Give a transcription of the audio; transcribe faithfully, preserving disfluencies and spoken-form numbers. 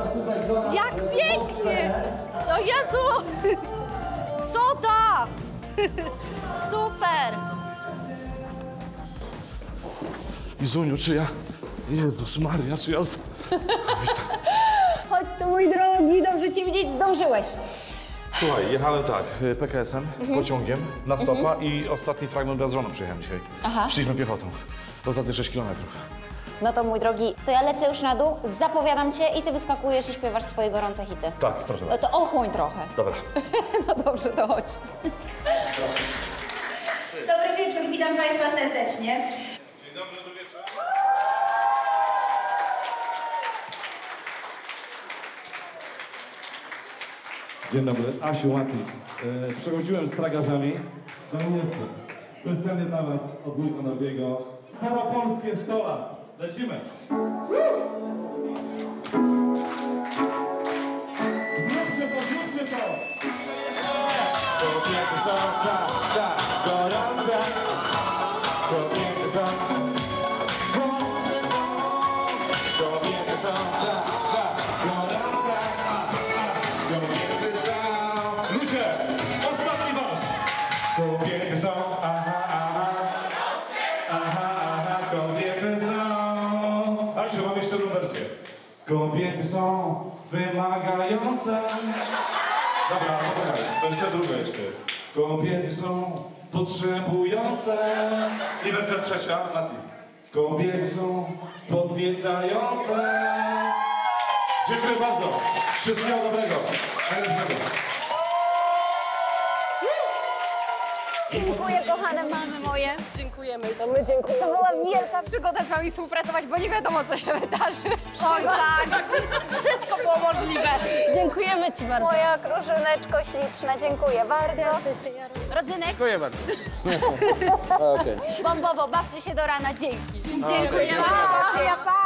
Jak pięknie! No Jezu! Cuda! Super! Izuniu, czy ja... Jezus Maria, czy ja... Chodź tu, mój drogi, dobrze cię widzieć, zdążyłeś. Słuchaj, jechałem tak, P K S-em, mhm. pociągiem, na stopa mhm. i ostatni fragment z żoną przyjechałem dzisiaj. Aha. Szliśmy piechotą. To za te sześć kilometrów. No to mój drogi, to ja lecę już na dół, zapowiadam cię i ty wyskakujesz i śpiewasz swoje gorące hity. Tak, proszę No bardzo. to ochłoń trochę. Dobra. No dobrze, to chodź. Dobry wieczór, witam Państwa serdecznie. Dzień dobry, dobry wieczór. Dzień dobry, Asiu Łaki. E, przechodziłem z tragarzami. No i niestety, specjalnie dla was od wujka Norbiego. Staropolskie sto lat. Lecimy. Zróbcie to, zróbcie to! Kobiety są, tak, tak, gorące. Kobiety są, gorące są. Kobiety są, tak, tak, gorące. Kobiety są. Ludzie, ostatni wasz. Kobiety są, aha, aha. Aha, aha, kobiety są. Asiu, mam jeszcze jedną wersję. Kobiety są wymagające. Dobra, poczekaj, wersja druga jeszcze jest. Kobiety są potrzebujące. I wersja trzecia, Mati. Kobiety są podniecające. Dziękuję bardzo. Wszystkiego dobrego. Najlepszego. Dziękuję, kochane mamy moje. Dziękujemy, to my dziękujemy. To była wielka przygoda z wami współpracować, bo nie wiadomo, co się wydarzy. Oj tak, wszystko było możliwe. Dziękujemy ci bardzo. Moja krużyneczko śliczna, dziękuję bardzo. Rodzynek? Dziękuję bardzo. Bombowo, bawcie się do rana, dzięki. Dziękuję bardzo. Pa!